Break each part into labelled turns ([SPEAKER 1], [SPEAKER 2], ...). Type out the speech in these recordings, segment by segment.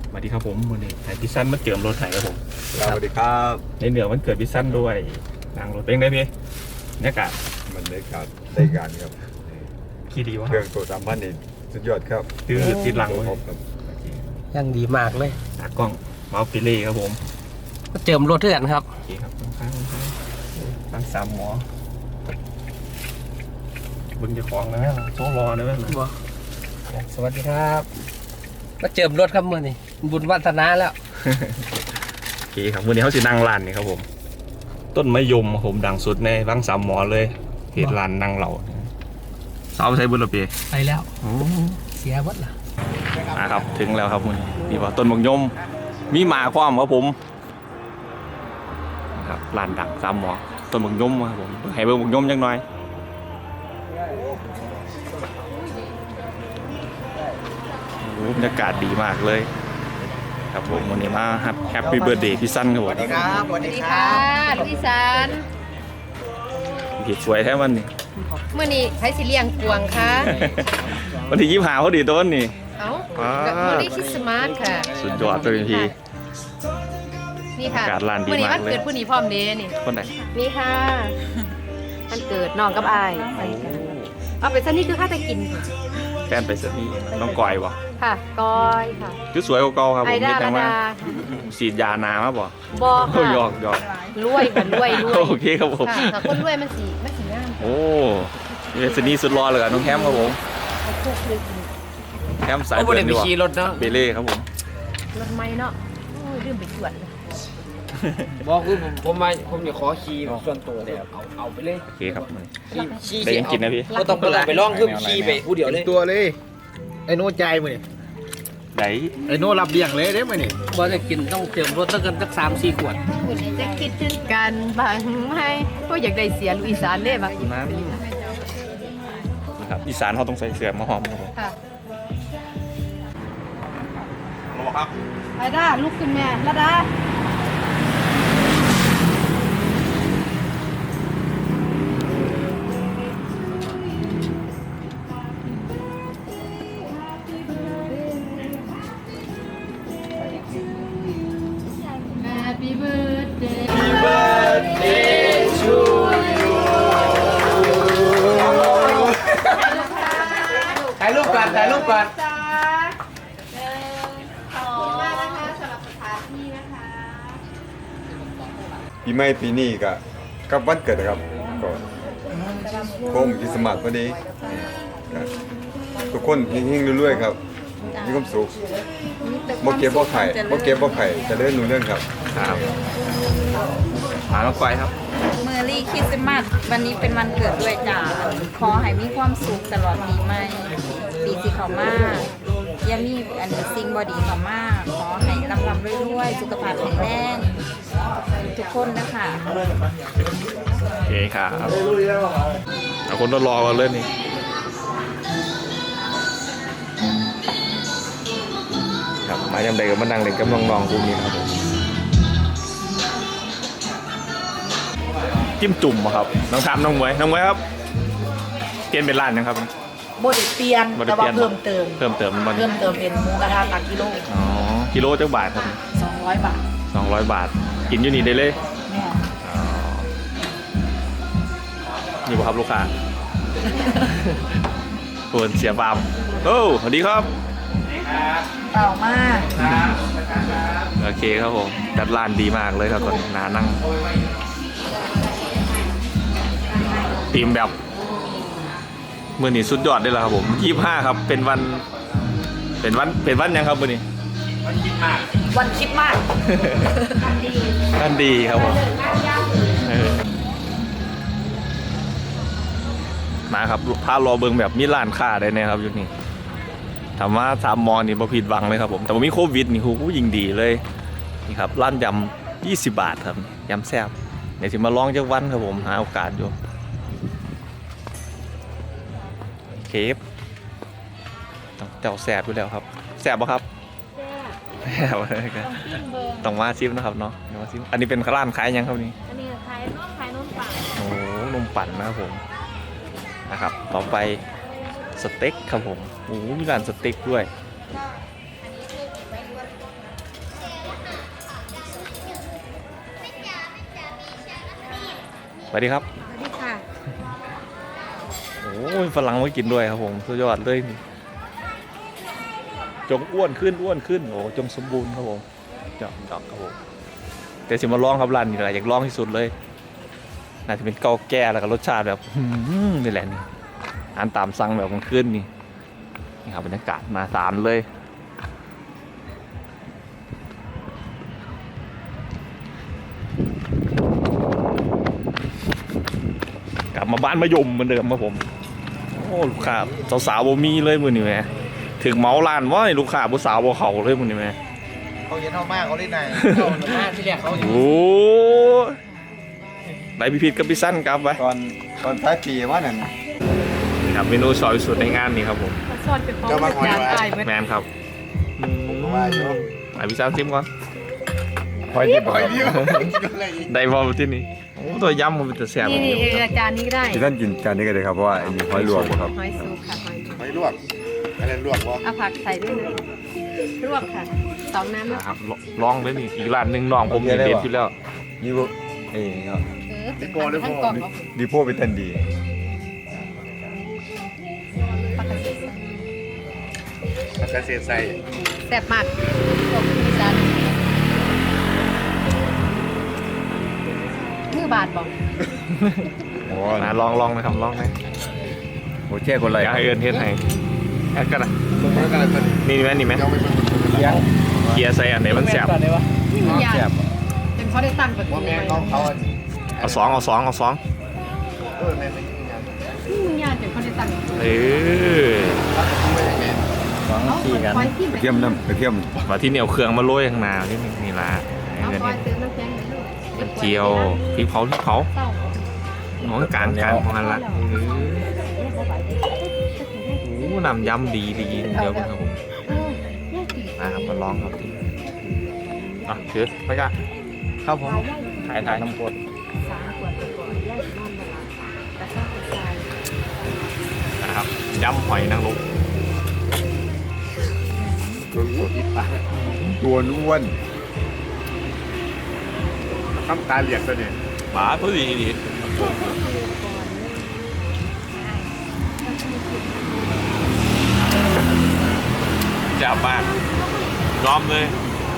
[SPEAKER 1] สวัสดีครับผมวันนี้ไทยพิซซันมาเจิมรถไถครับผม
[SPEAKER 2] สวัสดีครับ
[SPEAKER 1] ในเหนือมันเกิดพิซซันด้วยนางรถเป็นไงพี่เนี่ยกาศ
[SPEAKER 2] มันได้การครับ
[SPEAKER 1] ขี่ดีวะ
[SPEAKER 2] เครื่องตัว3,000นี่สุดยอดครับ
[SPEAKER 1] ตื้อติดหลัง
[SPEAKER 2] ตัว
[SPEAKER 1] เลย
[SPEAKER 2] ครบครับ
[SPEAKER 3] ยังดีมากเลย
[SPEAKER 1] ตากล้องเมาส์ปิเล่ครับผม
[SPEAKER 3] ก็เจิมรถเถื่อนครับ
[SPEAKER 1] โอเคครับข้างตั้งสามหมอบึงจะของนะโซ่รอนะแม่
[SPEAKER 3] สวัสดีครับก็เจิมรถครับมื่อนี้บุญวัฒนาแล้ว
[SPEAKER 1] โอเคครับวันนี้เขาสินั่งร้านนี่ครับผม ต้นมะยมครับผมดังสุดในบางสามหมอเลยเหตุร้านนั่งเหล่าสาวใช้บุญระเบีย
[SPEAKER 3] ไปแล้วเสียวัดล่ะ
[SPEAKER 1] ครับถึงแล้วครับมึงนี่ว่าต้นมะยมมีหมาความครับผมครับร้านดังสามหมอต้นมะยมครับผมให้เบิ่งมะยมจังหน่อยโอ้บรรยากาศดีมากเลยครับผมวันนี้มาแฮปปี้เบิร์ดเดย์พี่สั้นครับผม
[SPEAKER 3] สวัสดีครับ
[SPEAKER 4] สวัสดีค่ะลูกอีสาน
[SPEAKER 1] พี่สวยแท้วันนี้
[SPEAKER 4] เมื่อนี้ใช้สิเลียงกวงค่ะ
[SPEAKER 1] วันที่25พอดีต้นนี่
[SPEAKER 4] เอ้า
[SPEAKER 1] ว้าว
[SPEAKER 4] กับเมื่อนี้คริสต์มาสค่ะ
[SPEAKER 1] สุดยอดเลยพี่
[SPEAKER 4] นี่ค่ะ
[SPEAKER 1] อากาศร้านดี
[SPEAKER 4] เมื่อนี้
[SPEAKER 1] มา
[SPEAKER 4] วั
[SPEAKER 1] ก
[SPEAKER 4] น
[SPEAKER 1] เลย
[SPEAKER 4] เกิดผู้นี้พร้อมเดนี่
[SPEAKER 1] คนไหน
[SPEAKER 4] นี่ค่ะวันเกิดน้องกับอายเอาไปซะนี่คือข้าจะกิน
[SPEAKER 1] แฟนไปสักนี่น้องกอยวะ
[SPEAKER 4] ค่ะก้อยค่ะ
[SPEAKER 1] คือสวยกว่าเก่าครับผ
[SPEAKER 4] ไอ
[SPEAKER 1] ม
[SPEAKER 4] ดา
[SPEAKER 1] เห็นจังว่า
[SPEAKER 4] ดา
[SPEAKER 1] ฉีดยานามาบ่
[SPEAKER 4] บอ
[SPEAKER 1] โอ้
[SPEAKER 4] ค่ะ
[SPEAKER 1] หยอกหยอก
[SPEAKER 4] รวยค่ะรวย
[SPEAKER 1] โอเคครับผม
[SPEAKER 4] ค่ะแต่คนรวยมันสีงาม
[SPEAKER 1] โอ้ยสนีสุดรอเลยกับน้องแคมครับผม
[SPEAKER 4] พวกเลยกิน
[SPEAKER 1] แคมสาย
[SPEAKER 3] โอ้โห
[SPEAKER 1] เดิ
[SPEAKER 3] เดี๋ย
[SPEAKER 1] น
[SPEAKER 3] วไป
[SPEAKER 1] ดีกว่า
[SPEAKER 3] ขี่รถเนาะ
[SPEAKER 1] เบเล่ครับผม
[SPEAKER 4] รถไม่เนาะโอ้ยลืมไปตรวจเลย
[SPEAKER 3] บอกคือผมจะขอขี่ส่วนตัวเลยเอาไปเลย
[SPEAKER 1] โอเคครับ
[SPEAKER 3] ขี่
[SPEAKER 1] ได้ยังกินนะพี่
[SPEAKER 3] ก็ต้องไปลองคือขี่ไปผู้เดียวเลย
[SPEAKER 5] ตัวเลยไอ้โน่ใจมือนี่
[SPEAKER 1] ไหน
[SPEAKER 5] ไอ้โน่รับเลี้ยงเลยเด้มือนี่
[SPEAKER 3] บ่จะกินต้องเจิมรถตั้งกันสัก3-4 ขวด
[SPEAKER 4] คุณจะคิดถึงกันบ้างไหมก็อยากได้เสียลูกอีสานเด้บ้าง
[SPEAKER 1] น้ำนะครับอีสานเขาต้องใส่เสื้อมาหอมครับผม
[SPEAKER 4] ค่ะ
[SPEAKER 1] รอครับ
[SPEAKER 4] ไอ้ด้าลุกขึ้นแม่ละดา Happy birthday
[SPEAKER 3] ถ่ายรูปก่อนถ่ายรูปก่อน
[SPEAKER 4] จ้าขอบคุณมากนะคะสำหรับสถานที่นะคะ
[SPEAKER 2] ปีใหม่ปีนี้ก็กับวันเกิดนะครับก็โค้งคริสต์มาสพอดีก็ทุกคนเฮงๆรวยๆครับมีความสุขบ่เก็บบ่ไข่เจะเลื่อนนู่นเรื่องครับ
[SPEAKER 1] ครับมาน้องกอยครับ
[SPEAKER 6] เมอรี่คริสต์มาสวันนี้เป็นวันเกิดด้วยจ้าขอให้มีความสุขตลอดปีใหม่ปีที่เขามาอย่ามีอันสิ่งบอดีเขามาขอให้ร่ำรวยๆสุขภาพแข็งแรงทุกคนนะคะ
[SPEAKER 1] โอเคครับเอาคนรอกันเลยนี่ครับมายังใดกับมานั่งเล่นกับน้องๆพวกนี้ครับผมจิ้มจุ่มอะครับน้องทามน้องมวยครับเปลี่ยนเป็นร้านนะครับ
[SPEAKER 7] โบไดเปลี่ยน
[SPEAKER 1] บ่ได้
[SPEAKER 7] แต่
[SPEAKER 1] เปลี่
[SPEAKER 7] ว่าย
[SPEAKER 1] น
[SPEAKER 7] เพิ่มเติม
[SPEAKER 1] เพิ่มเติมมัน
[SPEAKER 7] เพิ่มเติมเป็นหมูกระทะตักกิโล
[SPEAKER 1] อ๋อกิโลจักบาทครับ
[SPEAKER 7] 200 บาท
[SPEAKER 1] 200 บาท กินอยู่นี่ได้เลย
[SPEAKER 7] แม่
[SPEAKER 1] อ๋อนี่บ่ครับลูกค้า คนเสียบามโอ้สวัสดีครับ
[SPEAKER 7] เปล่ามาก
[SPEAKER 1] โอเคครับผมจัดร้านดีมากเลยครับตอนนี้นานั่งทีมแบบเมื่อนี้สุดยอดได้แล้วครับผม25ครับเป็นวันยังครับมื่อนี้
[SPEAKER 7] วันคิดมาก
[SPEAKER 1] นั่นดีครับผมมาครับพารอเบิงแบบมีร้านค้าได้แน่ครับอยู่นี่ถามว่า3 มอนี่บ่ผิดหวังเลยครับผมแต่ว่ามีโควิดนี่คูยิ่งดีเลยนี่ครับร้านยำ20 บาทครับยำแซ่บเดี๋ยวสิมาลองจักวันครับผมหาโอกาสอยู่เคฟเจ้าแซ่บอยู่แล้วครับแซ่บปะครับแซ่บเลยครับต้องมาชิมนะครับเนาะเดี๋ยวมาชิมอันนี้เป็นร้านขายยังครับนี่
[SPEAKER 4] อันนี้ขายนมปั่น
[SPEAKER 1] โอ้นมปั่นนะครับผมนะครับต่อไปสเต็กครับผมโอ้มีร้านสเต็กด้วยสวัสดีครับ
[SPEAKER 4] สวัสดีค่ะ
[SPEAKER 1] โอ้ยฝรั่งมากินด้วยครับผมสุดยอดเลยนี่จงอ้วนขึ้นโอ้จงสมบูรณ์ครับผมจอกครับผมแต่สิมาลองครับร้านนี้แหละอยากลองที่สุดเลยน่าจะเป็นเกาแก่แล้วก็รสชาติแบบนี่แหละนี่อาหารตามสั่งแบบมันขึ้นนี่ครับบรรยากาศมาสารเลยกลับมาบ้านมายมเหมือนเดิมครับผมโอ้ลูกค้าสาวๆบ่มีเลยมือนี่แม่ถึงเมาร้านว่าลูกค้าผู้สาวบ่เขาเลยมือนี่แม่
[SPEAKER 5] เขาเย็นเท่ามากเขาได้ไหน
[SPEAKER 3] เอาหน้าที่แรกเขาอยู่
[SPEAKER 1] โอ้ไหนพี่พิษกับพี่สั้นครับไป
[SPEAKER 2] ตอนท้ายปีว่านั่น
[SPEAKER 1] นี่ครับเมนูสอยสุดในงานนี่ครับผม
[SPEAKER 4] ซอสเป็นฟองจานตายเบิด
[SPEAKER 1] แมนครับ
[SPEAKER 2] ว่าอยู่
[SPEAKER 1] ไหนพี่สั้นซิมก่อน
[SPEAKER 2] คอยดีบ่ครับ
[SPEAKER 1] ได้บอลที่นี่โอ้ตัวยำมันเป็นแต่แซ่บ
[SPEAKER 4] นี่จานนี้ก็ได้
[SPEAKER 2] ที่ท่านกินจานนี้ก็ได้ครับเพราะว่าอันนี้หอยลวกครับ
[SPEAKER 4] หอยสุกค่ะหอย
[SPEAKER 5] ไม่ลวกอะไรลวกวะ
[SPEAKER 4] เอาผักใส่ด้วยนะลวกค่ะสองน้ำนะ
[SPEAKER 1] นะครับลองเลยนี่อีกร้านหนึ่งน้องผมเด็ดอยู่แล้ว
[SPEAKER 2] นี่บ่ครับ
[SPEAKER 4] เป็นทั้งกล่องเอา
[SPEAKER 2] ดีโพเป็นทันดี
[SPEAKER 4] ปกติ
[SPEAKER 5] เกษตรใส่
[SPEAKER 4] แซ่บมากพวกอีสานมือบาทบอก
[SPEAKER 2] โอ้
[SPEAKER 1] นะลองนะครับลองนะ
[SPEAKER 2] โหแช่คนไร
[SPEAKER 1] อยากให้เอิญเทศให้แอดกันนะ
[SPEAKER 5] ตรงนั้นกันเลย
[SPEAKER 1] นี่ไหมนี่ไหม
[SPEAKER 5] ยังไม่เป็น
[SPEAKER 1] เกียร์ใส่อันไหนมันแซ่บ
[SPEAKER 3] ก่อนเลยวะ
[SPEAKER 4] นี่มันยากจนเขาได้ตั้งแบบ
[SPEAKER 5] ว่า
[SPEAKER 4] นี้
[SPEAKER 5] แม่
[SPEAKER 4] ไว้
[SPEAKER 5] เขา
[SPEAKER 1] เอาสอง
[SPEAKER 5] แม่ไม่กินกัน
[SPEAKER 4] นี่มันยากจนเขาได้ตั้งแบบนี้
[SPEAKER 1] เออ
[SPEAKER 4] เอาคอยที่
[SPEAKER 2] กระเทียมน้ำกระเทียม
[SPEAKER 1] มาที่เหนียวเครื่องมาโรยข้างหน้าที่นี่ละ
[SPEAKER 4] เอาคอยเติมน้ำแข็งไปลูก
[SPEAKER 1] เจียวพริกเผา
[SPEAKER 4] เศร้า
[SPEAKER 1] น้องการของมันละโอ้น้ำยำดีเดี๋ยวครับผมนะครับมาลองครับที่อ่ะถือไปกันครับผมถ่ายน้ำกด
[SPEAKER 4] 3 ขวดก่อนแยกนอนเวลาแต่ถ้าเป็นทราย
[SPEAKER 1] นะครับยำหอยนางรม
[SPEAKER 2] ตัวอ้วน
[SPEAKER 5] ทำตาเหลียกตัวนี้
[SPEAKER 1] หมาพอดีจับมากยอมเลย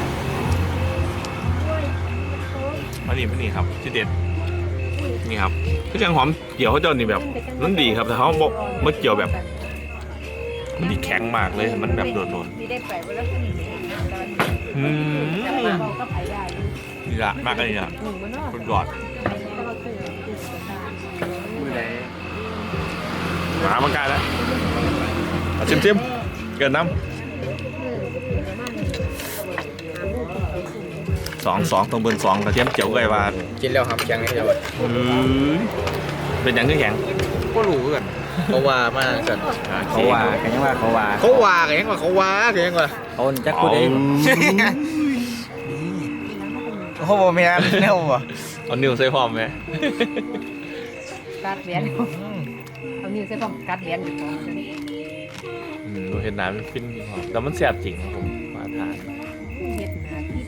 [SPEAKER 1] มานี่ครับที่เด็ดนี่ครับคือจังหอมเกี่ยวเขาเจ้านี่แบบนั่นดีครับแต่เขาบอกมันเกี่ยวแบบมันดีแข็งมากเลยมันแบบโดน
[SPEAKER 6] มีได้ไปว่าแล้วเป็นอย่างนี้นะตอนนี้
[SPEAKER 1] ๆ
[SPEAKER 6] เราก็ไปได้
[SPEAKER 1] นี่ละมากเลยนี่ละคนยอด
[SPEAKER 5] มือไหน
[SPEAKER 1] หมามันกลายแล้วเอาชิมเกินน้ำสองตรงเบิร์น2กระเทียมเจียวไก่วาด
[SPEAKER 5] กินแล้วครับยังไงเดี๋ยว
[SPEAKER 1] เป็นอย่างที่แข็ง
[SPEAKER 5] ก็รู้กันเขาว่ามากกัน
[SPEAKER 2] เขาว่ากันยังว่าเขาว่า
[SPEAKER 5] เขาว่ากันยังว่าเขาว่ากันยังว่า
[SPEAKER 2] เขาจักกูได้เขาบอกไม่อันแน่วะ
[SPEAKER 1] เอานิ้วใส่พร้อมไหม
[SPEAKER 4] กัดเหรียญเอานิ้วใส่ป้องกัดเหรียญอยู่ก่อน
[SPEAKER 1] ดูเห็นน้ำมันฟินดีครับแต่มันแสบจริงครับผมมาทาน
[SPEAKER 4] เฮ็ดหน้าที่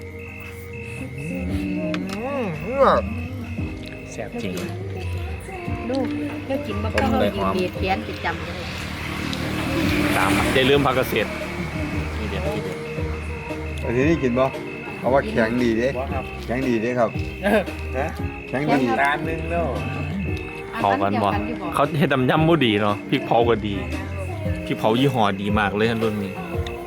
[SPEAKER 1] แสบจริง
[SPEAKER 4] ลูกเจ้ากินบ่ต้องเอาดีดเขียนติดจำเลย
[SPEAKER 1] ตามอย่าลืมพักเกษตรนี่เด็ดที่เด็ด
[SPEAKER 2] อันนี้กินบ่เขาว่าแข็งดีเด้แข็งดีเด้ครับแข็งดี
[SPEAKER 5] ร้านนึงแล้ว
[SPEAKER 1] เขากันบ่เขาเห็ดยำมูดีเนาะพริกเผาก็ดีพริกเผายี่ห้อดีมากเลยท่านรุ่นนี้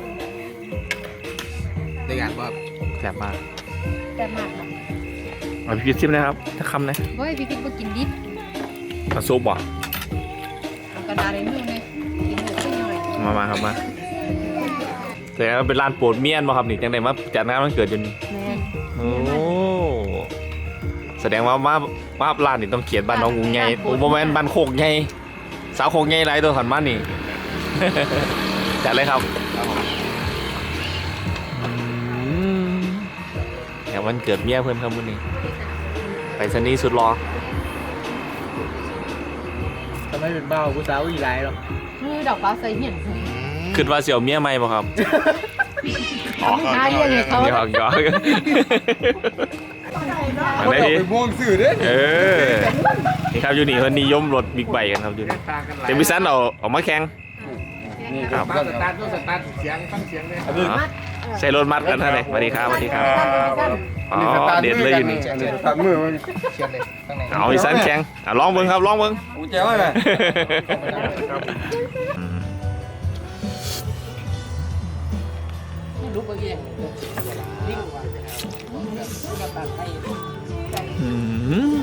[SPEAKER 5] ได้งานว่า
[SPEAKER 1] แสบมาก
[SPEAKER 4] แต่มากนะ
[SPEAKER 1] เอาพี่พิซซิมนะครับถ้าคำนะ
[SPEAKER 4] เฮ้ยพี่กิ๊กบ่กินดิบ
[SPEAKER 1] เอาซุปบ่
[SPEAKER 4] เอากระดาษในมือเลยกินหมดขึ้นหน่อย
[SPEAKER 1] มาครับมาแต่ว่าเป็นร้านโปรดเมียนบ่ครับนี่จังไดมาจัดงานวันเกิดอยู่นี่
[SPEAKER 4] แม่
[SPEAKER 1] โอ้แสดงว่ามาร้านนี่ต้องเขียนบ้านน้องงูใหญ่โอ้บ่แม่นบ้านโคกใหญ่สาวโคกใหญ่หลายตัวขันมานี่ จัดเลยครับแถววันเกิดเมียเพิ่นครับมื้อนี้ไปสนีสุดรอ
[SPEAKER 3] ทำไมเป็นเบ้าผู้สาวอีไรหรอ
[SPEAKER 4] คือดอกฟ้าใส่เหียน
[SPEAKER 1] คิดว่าสิเอาเมียใหม่บ่ครับ
[SPEAKER 4] หาเรื่องให้เขา
[SPEAKER 1] หยอกอันไหนพี่
[SPEAKER 2] ไปม่วงสื่อเด้
[SPEAKER 1] เออนี่ครับอยู่นี่เขานิยมรถบิ๊กไบค์กันครับอยู่นี่เดี๋ยวพี่ซันเอามาแข่ง
[SPEAKER 2] นี่
[SPEAKER 1] ครับ
[SPEAKER 3] มาสตาร์ทตัวสตาร์ทเสียงฟังเสียงเลย
[SPEAKER 2] อันนี้
[SPEAKER 1] ใส่รถมัดกันท่านเลยสวัสดีครับสวัสดีครับอ๋อเด็ดเลยอยู่นี่
[SPEAKER 2] อันนี้สตาร์ทมือมัน
[SPEAKER 3] เสียงเลยข้างใน
[SPEAKER 1] เอาพี่ซันแข่งลองเบิ้งครับลองเบิ้ง
[SPEAKER 2] กูแจ้วไว้ไหม
[SPEAKER 3] ไม่รู้เบอร์เองลิงว่าสตาร์ทให้
[SPEAKER 1] อืม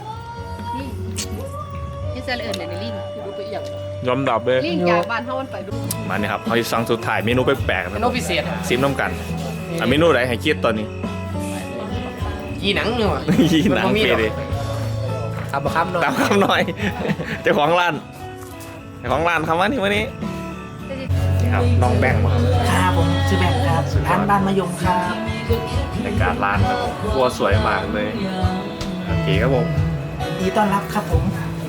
[SPEAKER 4] นี่เซลเอิญเลยในลิง
[SPEAKER 3] ไม่รู้ไปเอียง
[SPEAKER 1] ยอมดับเลย
[SPEAKER 4] ลิงจากบ้านเฮามันไปดู
[SPEAKER 1] มาเนี่ยครับเขาจะสั่งสุดท้ายเมนูแปลกๆ
[SPEAKER 3] เม
[SPEAKER 1] นะ
[SPEAKER 3] นูพิเศษ
[SPEAKER 1] ซิมน้ำกันเมนูไหนให้คิดตอนนี้
[SPEAKER 3] ยีหนังเนาะ
[SPEAKER 1] ยี่หนังเปเลย
[SPEAKER 3] คำคำหน่อย
[SPEAKER 1] ตามคำหน่อยเจ้าของร้านคำว่านี่วันนี้นี่ครับน้องแบงค์มาครับ
[SPEAKER 7] ครับผมชื่อแบงค์ครับร้านบ้านมะยมครับ
[SPEAKER 1] ในการร้านครับผมครัวสวยมากเลยโอเคครับผม
[SPEAKER 7] ดีต้อนรับครับผม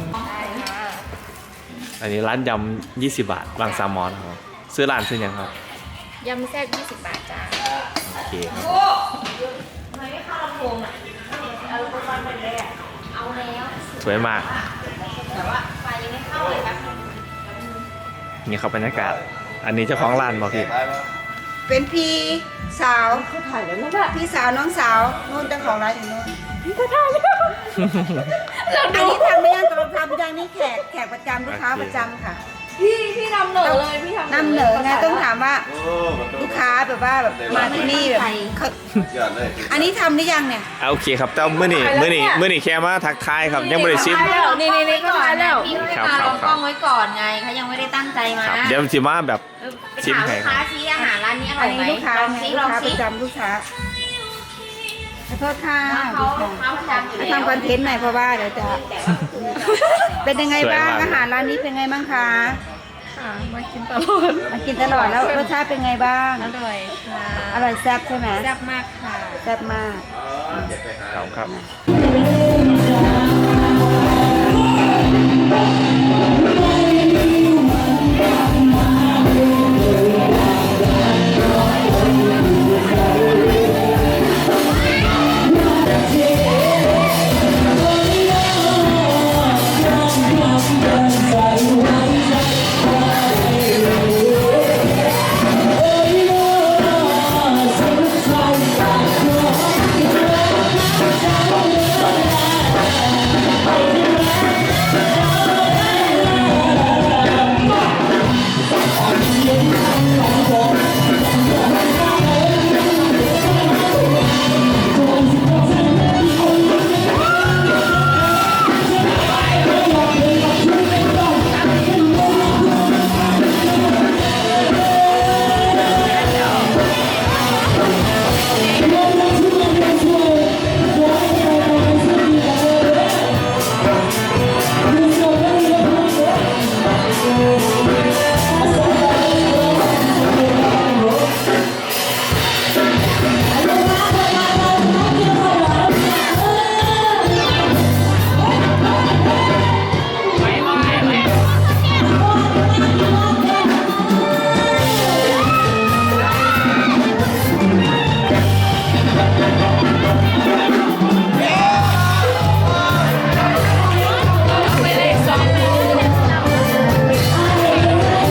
[SPEAKER 1] อันนี้ร้านยำ20 บาทบางซามอนครับซื้อร้านซื้อยังครับ
[SPEAKER 6] ยำแซ่บ20 บาทจ้า
[SPEAKER 1] โอเคครับสวยมากนี่ครับบรรยากาศ อันนี้เจ้าของร้านบอกพี่
[SPEAKER 8] เป็นพี่สาวพี่สาวน้องสาวนู่นเจ้าของร้านอยู่นู่นอันนี้ทำไม่ยังตลอดทำไม่ยังนี่แขกประจำลูกค้าประจำค่ะ
[SPEAKER 6] พี่นำเหนอเลยพี่ทำ
[SPEAKER 8] นำเหนอไงต้องถามว่าลูกค้าแบบว่าแบบมาที่นี่แบบเขาอันนี้ทำหรือยังเนี่ย
[SPEAKER 1] โอเคครับแต่เมื่อนี่แค่มาทักทายครับยังไม่ได้ชิม
[SPEAKER 6] นี่ก็มาแล้ว
[SPEAKER 1] ค
[SPEAKER 6] พี่
[SPEAKER 1] รับ
[SPEAKER 6] มา
[SPEAKER 1] ครับ
[SPEAKER 6] ลองกล้องไว้ก่อนไงเขายังไม่ได้ตั้งใจมา
[SPEAKER 1] ครับเดี๋ยวสิมาแบบ
[SPEAKER 6] ไป
[SPEAKER 1] ชิม
[SPEAKER 6] ถาม
[SPEAKER 1] ให้
[SPEAKER 6] ลูก
[SPEAKER 1] ค
[SPEAKER 6] ค้า
[SPEAKER 1] รับ
[SPEAKER 6] ซิอาหารร้านนี้อร่
[SPEAKER 8] อั
[SPEAKER 6] อน ยไหม
[SPEAKER 8] นี้ลูกค้า
[SPEAKER 6] ลอง
[SPEAKER 8] ไง
[SPEAKER 6] ซิ
[SPEAKER 8] ลู
[SPEAKER 6] ล
[SPEAKER 8] ก
[SPEAKER 6] อง
[SPEAKER 8] ค้าป
[SPEAKER 6] ซิ
[SPEAKER 8] ระจำลูกค้าขอโทษค่ะ
[SPEAKER 6] เขาประจำอยู่แล้ว
[SPEAKER 8] ทำคอนเทนต์หน่อยเพราะว่าเดี๋ยวจะ เป็นยังไงบ้างอาหารร้านนี้เป็นไงบ้างคะ
[SPEAKER 6] ค่ะมากินตลอด
[SPEAKER 8] มากินตลอดแล้วรสชาติเป็นไงบ้าง
[SPEAKER 6] อร่อยค่ะ
[SPEAKER 8] อร่อยแซ่บใช่ไหม
[SPEAKER 6] แซ่บมากค่ะ
[SPEAKER 8] แซ่บมาก
[SPEAKER 1] ครับ